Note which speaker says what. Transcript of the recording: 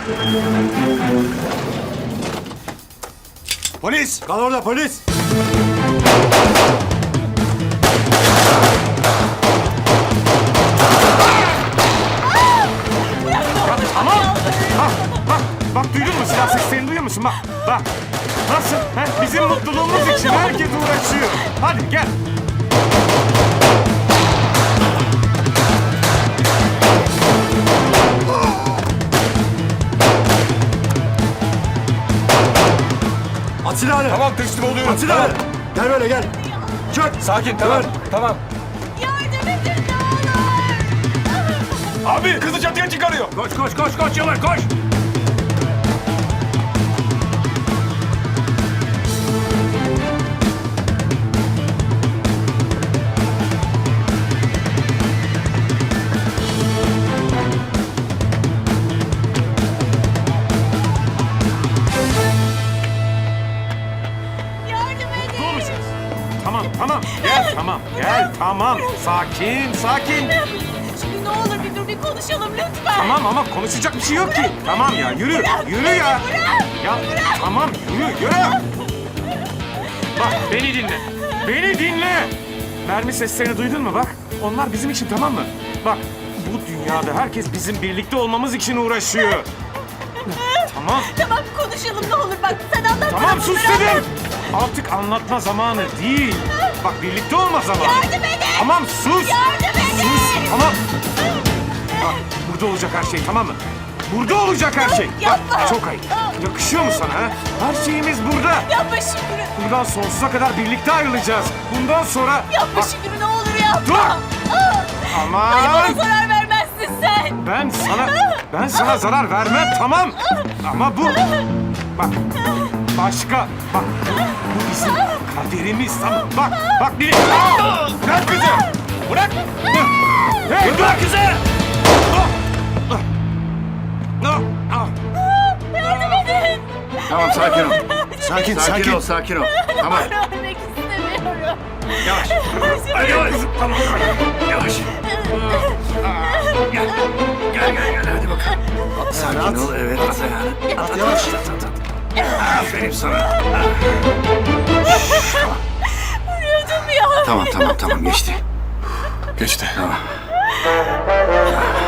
Speaker 1: Polis!
Speaker 2: Kal orada polis!
Speaker 3: Tamam. Bak duydun mu? Silah seslerini duyuyor musun? Bak. Nasıl? He? Bizim mutluluğumuz için herkes uğraşıyor. Hadi gel.
Speaker 2: At silahını!
Speaker 1: Tamam teslim oluyorum.
Speaker 2: At silahını! Gel böyle gel! Çök!
Speaker 1: Sakin tamam. Tamam.
Speaker 4: Yardım edin ne olur.
Speaker 1: Abi kızı çatıya çıkarıyor.
Speaker 2: Koş Yavaş koş!
Speaker 4: Yardım edin.
Speaker 3: Dur musunuz? Tamam. Gel tamam. Sakin.
Speaker 4: Şimdi ne olur bir konuşalım lütfen.
Speaker 3: Tamam ama konuşacak bir şey yok ki. Tamam ya yürü ya. Ya tamam yürü. Bak beni dinle. Mermi seslerini duydun mu bak? Onlar bizim için tamam mı? Bak bu dünyada herkes bizim birlikte olmamız için uğraşıyor. Tamam.
Speaker 4: Tamam konuşalım ne olur bak sen anlat.
Speaker 3: Tamam
Speaker 4: bana
Speaker 3: sus
Speaker 4: bunları.
Speaker 3: dedim. Artık anlatma zamanı değil. Bak birlikte olma zamanı.
Speaker 4: Yardım edin.
Speaker 3: Tamam sus.
Speaker 4: Yardım edin.
Speaker 3: Sus tamam. Bak burada olacak her şey tamam mı? Burada olacak her şey.
Speaker 4: Yapma.
Speaker 3: Bak çok ayıp. Yakışıyor mu sana ha? Her şeyimiz burada.
Speaker 4: Yapma Şükrü.
Speaker 3: Buradan sonsuza kadar birlikte ayrılacağız. Bundan sonra...
Speaker 4: Yapma
Speaker 3: Bak,
Speaker 4: Şükrü ne olur yapma.
Speaker 3: Dur.
Speaker 4: Hani bana
Speaker 3: aman.
Speaker 4: zarar vermezsin sen.
Speaker 3: Ben sana zarar vermem tamam. Ama bu... Bak bak bu bizim kaderimiz tamam. Bak bir...
Speaker 1: Bırak kızı. Bırak.
Speaker 3: Hey dur kızı.
Speaker 4: Yardım edin.
Speaker 2: Tamam sakin ol.
Speaker 3: Sakin ol.
Speaker 2: Sakin ol. Tamam.
Speaker 4: Ölmek istemiyorum.
Speaker 2: Yavaş.
Speaker 3: Hadi kızım tamam.
Speaker 2: Yavaş. Gel hadi bakalım. Sakin ol evet. At ayağını. At yavaş. At. Aferin sana.
Speaker 4: Vuruyordum ya.
Speaker 2: Tamam geçti.
Speaker 1: Geçti.
Speaker 2: Tamam.